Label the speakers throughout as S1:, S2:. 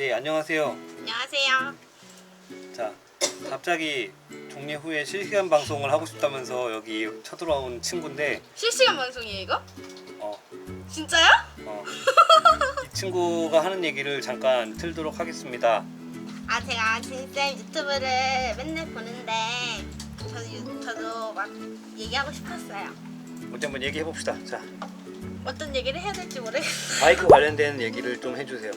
S1: 네, 안녕하세요.
S2: 안녕하세요.
S1: 자, 갑자기 종례 후에 실시간 방송을 하고 싶다면서 여기 쳐들어온 친구인데
S2: 실시간 방송이에요 이거?
S1: 어,
S2: 진짜요?
S1: 이 친구가 하는 얘기를 잠깐 틀도록 하겠습니다.
S2: 아 제가 진쌤 유튜브를 맨날 보는데 저도 막 얘기하고 싶었어요.
S1: 먼저 한번 얘기해 봅시다. 자,
S2: 어떤 얘기를 해야 될지 모르겠어요.
S1: 마이크 관련된 얘기를 좀 해주세요.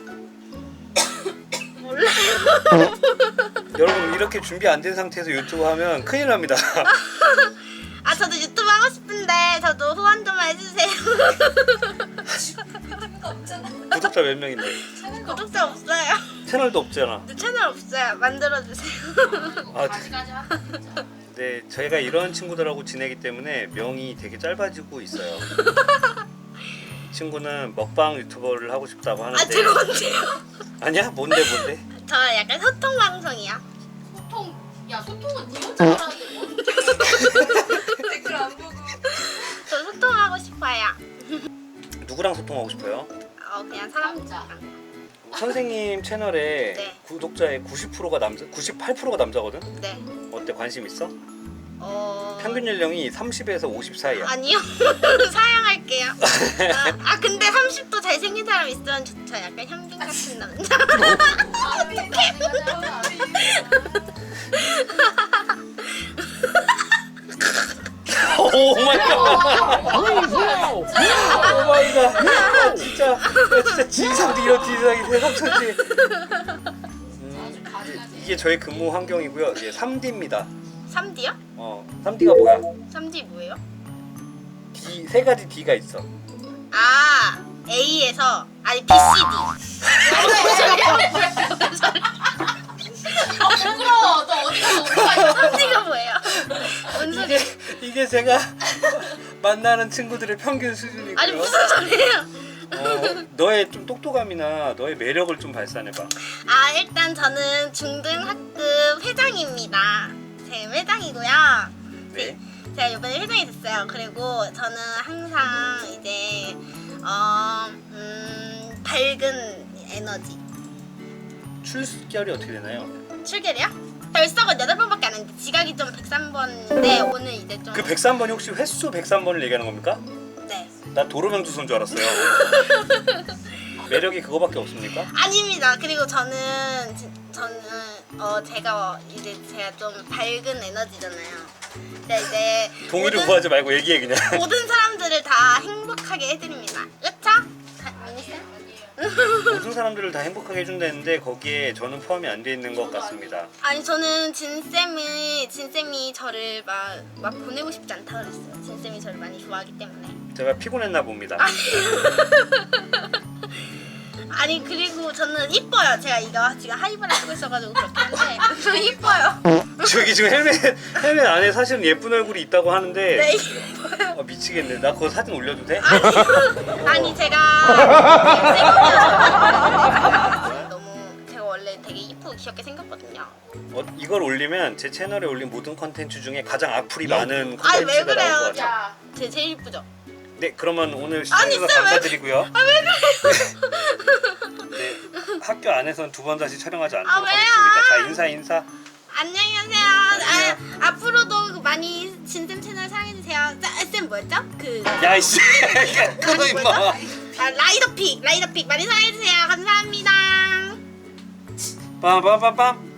S2: 몰라요.
S1: 여러분 이렇게 준비 안 된 상태에서 유튜브 하면 큰일 납니다.
S2: 아 저도 유튜브 하고 싶은데 저도 후원 좀 해주세요.
S1: 구독자 몇 명인데?
S2: 구독자 없어요.
S1: 채널도 없잖아.
S2: 근데 채널 없어요. 만들어주세요.
S1: 아, 네, 저희가 이런 친구들하고 지내기 때문에 명이 되게 짧아지고 있어요. 이 친구는 먹방 유튜버를 하고 싶다고 하는데
S2: 아 제가 언제요?
S1: 아니야? 뭔데?
S2: 저 약간 소통 방송이요.
S3: 소통은 니 혼자 하라는데 뭐? 댓글 안 보고.
S2: 저 소통하고 싶어요.
S1: 누구랑 소통하고 싶어요?
S2: 그냥 사람들이랑.
S1: 선생님 채널에
S2: 네.
S1: 구독자의 90%가 남자, 98%가 남자거든?
S2: 네.
S1: 어때? 관심 있어? 평균 연령이 30에서 50 사이야.
S2: 아니요. 사양할게요. 근데 30도 잘생긴 사람 있으면 좋죠. 약간 현빈 같은 남자.
S1: 오 마이 갓. 오 마이 갓. 진짜 진상도 이런 진상이 세상 천지. 이게 저희 근무 환경이고요. 이게 3D입니다.
S2: 3D요?
S1: 3D가 뭐야?
S2: 3D 뭐예요?
S1: D, 세 가지 D가 있어.
S2: A에서 BCD.
S3: 부끄러워. 너 어디 가서 오빠
S2: 3D가 뭐예요? 뭔 소리?
S1: 이게 제가 만나는 친구들의 평균 수준이고요.
S2: 아니 무슨 소리예요?
S1: 너의 좀 똑똑함이나 너의 매력을 좀 발산해봐.
S2: 일단 저는 중등학급 회장입니다. 제 회장이고요.
S1: 네.
S2: 제가 이번에 회장이 됐어요. 그리고 저는 항상 이제 밝은 에너지.
S1: 출결이 어떻게 되나요?
S2: 출결이요? 결석은 8번밖에 안 했는데 지각이 좀 103번인데 오늘 이제 좀
S1: 그 103번이 혹시 횟수 103번을 얘기하는 겁니까?
S2: 네.
S1: 나 도로명 주소인 줄 알았어요. 매력이 그거밖에 없습니까?
S2: 아닙니다. 그리고 저는 제가 좀 밝은 에너지잖아요. 근데 이제
S1: 동의를 구하지 말고 얘기해 그냥.
S2: 모든 사람들을 다 행복하게 해드립니다. 그쵸? 미니쌤?
S1: 모든 사람들을 다 행복하게 해준다는데 거기에 저는 포함이 안 돼 있는 것 같습니다.
S2: 아니 저는 진쌤이 저를 막 보내고 싶지 않다 그랬어요. 진쌤이 저를 많이 좋아하기 때문에.
S1: 제가 피곤했나 봅니다.
S2: 아니 그리고 저는 이뻐요. 제가 이거 지금 하이브를 쓰고 있어가지고 그렇게 하는데 저 이뻐요.
S1: 저기 지금 헬멧 안에 사실은 예쁜 얼굴이 있다고 하는데
S2: 네 이뻐요.
S1: 미치겠네. 나 그거 사진 올려도 돼?
S2: 아니 제가 너무 제가 원래 되게 이쁘고 귀엽게 생겼거든요.
S1: 이걸 올리면 제 채널에 올린 모든 컨텐츠 중에 가장 악플이 많은
S2: 아니 왜
S1: 컨텐츠가 나올
S2: 그래요?
S1: 것 같아요.
S3: 야.
S2: 제 제일 이쁘죠?
S1: 네, 그러면 오늘
S2: 아니,
S1: 시청해주셔서
S2: 쌤, 왜
S1: 감사드리고요.
S2: 왜 그래요?
S1: 네, 학교 안에서는 2번 다시 촬영하지 않도록
S2: 왜요?
S1: 하겠습니다. 자, 인사.
S2: 안녕히 가세요. 앞으로도 많이 진쌤 채널 사랑해주세요. 쌤 뭐였죠?
S1: 야이씨, 끊어 임마.
S2: 라이더픽 많이 사랑해주세요. 감사합니다.
S1: 빰빰빰빰.